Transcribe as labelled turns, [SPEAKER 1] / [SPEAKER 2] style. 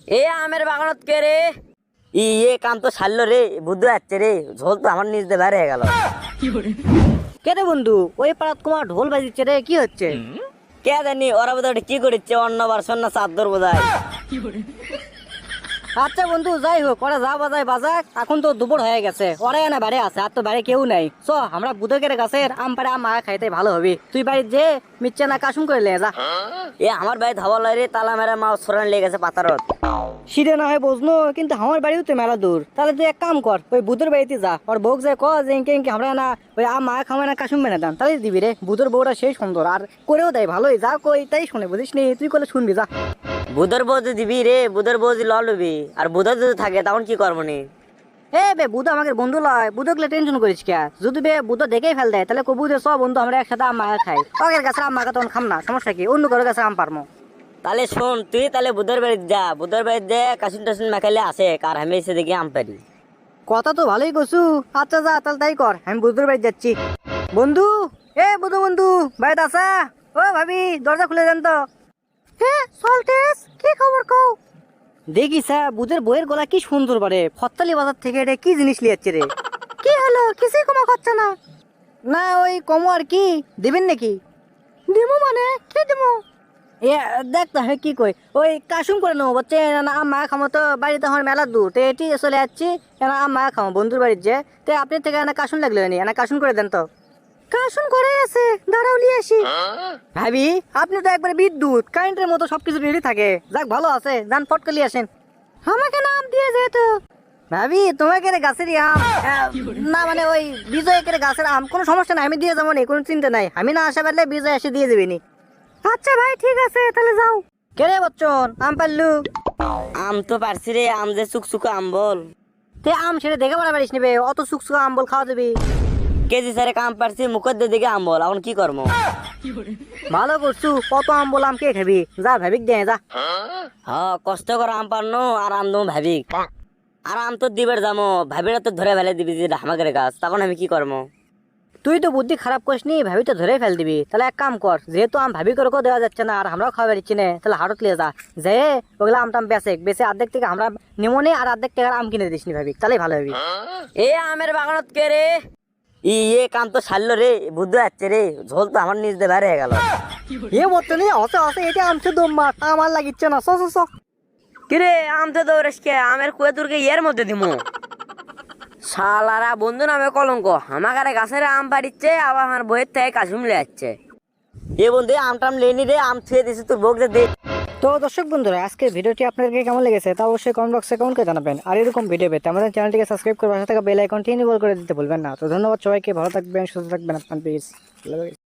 [SPEAKER 1] এ আমের বাগানত কে রে? ইয়ে কাম তো ছাড়লো রে, বুদ্ধ যাচ্ছে রে, ঝোল তো আমার নিজ দিয়ে বের হয়ে গেল।
[SPEAKER 2] কে রে বন্ধু, ওই পাড়াত কুমার ঢোল বাজিচ্ছে রে, কি হচ্ছে?
[SPEAKER 1] কে জানি ওরা বোধহয় কি করছে, অন্য বারসন না চাদর বোধহয়।
[SPEAKER 2] আচ্ছা বন্ধু, যাই হোক, ওরা যা বাজায় বাজাক, এখন তো দুপুর হয়ে গেছে, ওরা না বাইরে আছে, আর তো বাইরে কেউ নাই। চ আমরা বুধকের গাছের আম পাড়ে আম মাখা খাইতে ভালো হবে। তুই বাড়ির যে মিচ্ছে না কাশুম করে লে যা।
[SPEAKER 1] এ আমার ভাই ধাবা লাই রে, তালা মেরা মা সরান লেগে গেছে পাতারত।
[SPEAKER 2] সিঁড়ে না হয় বুঝনো, কিন্তু আমার বাড়িও তো মেলা দূর। তাহলে তুই এক কাম কর, ওই বুধের বাড়িতে যা, ওর বউক যায় ক যে ইনকে ইনকে আমরা না ওই আম মাখা খাওয়া না কাশুম বেনে দাম, তাহলে দিবি রে। বুধের বউটা সেই সুন্দর, আর করেও দেয় ভালোই। যা কই তাই শুনে, বুঝিস নি? তুই করলে শুনবি যা।
[SPEAKER 1] বুধর বৌদি দিবি রে, বুধর বৌদি লবি। আর বুধর যদি থাকে তখন কি করবো নি?
[SPEAKER 2] এ বে, বুধ আমাকে বন্ধু লয়, বুধকলে টেনশন করিস কে? যদি বে বুধ দেখেই ফেল দেয়, তাহলে কবু যে সব বন্ধু আমরা একসাথে আম মাখা খাই। ওদের কাছে আম মাখা তখন খাম না, সমস্যা কি? অন্য কারোর কাছে আম পারমো।
[SPEAKER 1] তাহলে শোন, তুই তাহলে বুধর বাড়িতে যা, বুধর বাড়িতে যে কাসুন টাসুন মাখাইলে আসে, আর আমি এসে দেখি আম পারি।
[SPEAKER 2] কথা তো ভালোই কছু। আচ্ছা যা, তাহলে তাই কর, আমি বুধুর বাড়ি যাচ্ছি। বন্ধু, এ বুধু বন্ধু, বাড়িতে আসা? ও ভাবি, দরজা খুলে দেন তো। হ্যাঁ সল্টেস, কি খবর কও? দেখিস বুধের বইয়ের গলা কি সুন্দর বারে, ফত্তালি বাজার থেকে এটা কি জিনিস লিয়াচ্ছে রে? কি হলো, কিছুই কমা খাচ্ছে না? না ওই কমো আর কি, দিবেন নাকি? দিমু মানে কি দিমু? এ দেখ তো আমি কি কই, ওই কাশুম করে নেবো বলছে না, আম মাখা খামো তো, বাড়িতে আমার মেলা দূর, তো এটি চলে যাচ্ছি। না আম মাখা খামো বন্ধুর বাড়ির যে, তো আপনি থেকে না কাশুন লাগলো নি, না কাশুন করে দেন তো। কাশুন করে আছে, দাঁড়াও নিয়ে আসি। ভাবি, আপনি তো একবারে বিদ্যুৎ কারেন্টের মতো সবকিছু রেডি থাকে। যাক ভালো আছে, যান ফট করে নিয়ে আসেন। আমাকে নাম দিয়ে যেত ভাবি, তোমাকে রে গাছের আম না মানে ওই বিজয়কের গাছের আম, কোনো সমস্যা নাই, আমি দিয়ে যাবো নি, কোনো চিন্তা নাই। আমি না আসা পারলে বিজয় এসে দিয়ে যাবে নি। আচ্ছা ভাই ঠিক আছে, তাহলে যাও। কে রে বচ্চন, আম পারলু?
[SPEAKER 1] আম তো পারছি রে, আম যে চুকচুকা আম বল।
[SPEAKER 2] তে আম সেটা দেখে বলা পারিস নেবে, অত সুকসুকা আম বল খাওয়া যাবি?
[SPEAKER 1] কেজি সারে কাম পারছি, মুখের দিকে আম বল, এখন কি করবো?
[SPEAKER 2] ভালো করছু, কত আম বল, আম কে খাবি? যা ভাবিক দে যা।
[SPEAKER 1] হ্যাঁ, কষ্ট করে আম পারনো, আর আম দম ভাবি। আর আম তো দিবের যাবো, ভাবিরা তো ধরে ফেলে দিবি যে হামাকের গাছ, তখন আমি কি করবো?
[SPEAKER 2] তুই তো বুদ্ধি খারাপ করিস নি, ভাবি তো ধরে ফেল দিবি। তাহলে এক কাম কর, যেহেতু আম ভাবি করে দেওয়া যাচ্ছে না, আর আমরাও খাওয়া পারছি না, তাহলে হাটত লিয়ে যা, যে ওগুলা আমটাম বেচে অর্ধেক থেকে আমরা নিমনে, আর অর্ধেক টাকার আম কিনে দিস নি ভাবি, তাহলে ভালো হবি।
[SPEAKER 1] এ আমের বাগানত কে রে? ইয়ে কাম তো ছাড়লো রে, বুদ্ধ যাচ্ছে রে, ঝোল তো আমার নিজ দিয়ে বের হয়ে গেল।
[SPEAKER 2] এ বর্তমানে অসে অসে এটা আমছে দম্মা, আমার লাগিচ্ছে না। চ
[SPEAKER 1] কিরে আম তো দৌড়েস কে? আমের কুয়ে তুরকে ইয়ের মধ্যে দিমু। শালারা বন্ধু নামে কলঙ্ক, আমাকে গাছের আম পাড়িচ্ছে, আবার আমার বইয়ের থেকে কাশুম লে যাচ্ছে। এ বন্ধু আমটাম লেনি রে, আম ছুঁয়ে দিছি তোর বউকে দে।
[SPEAKER 2] তো দর্শক বন্ধুরা, আজকের ভিডিওটি আপনাদেরকে কেমন লেগেছে তা অবশ্যই কমেন্ট বক্সে কমেন্ট করে জানাবেন। আর এরকম ভিডিও পেতে আমাদের চ্যানেলটিকে সাবস্ক্রাইব করে পাশে থাকা বেল আইকনটি এনেবল করে দিতে ভুলবেন না। তো ধন্যবাদ সবাইকে, ভালো থাকবেন, সুস্থ থাকবেন, আপনার পেজ।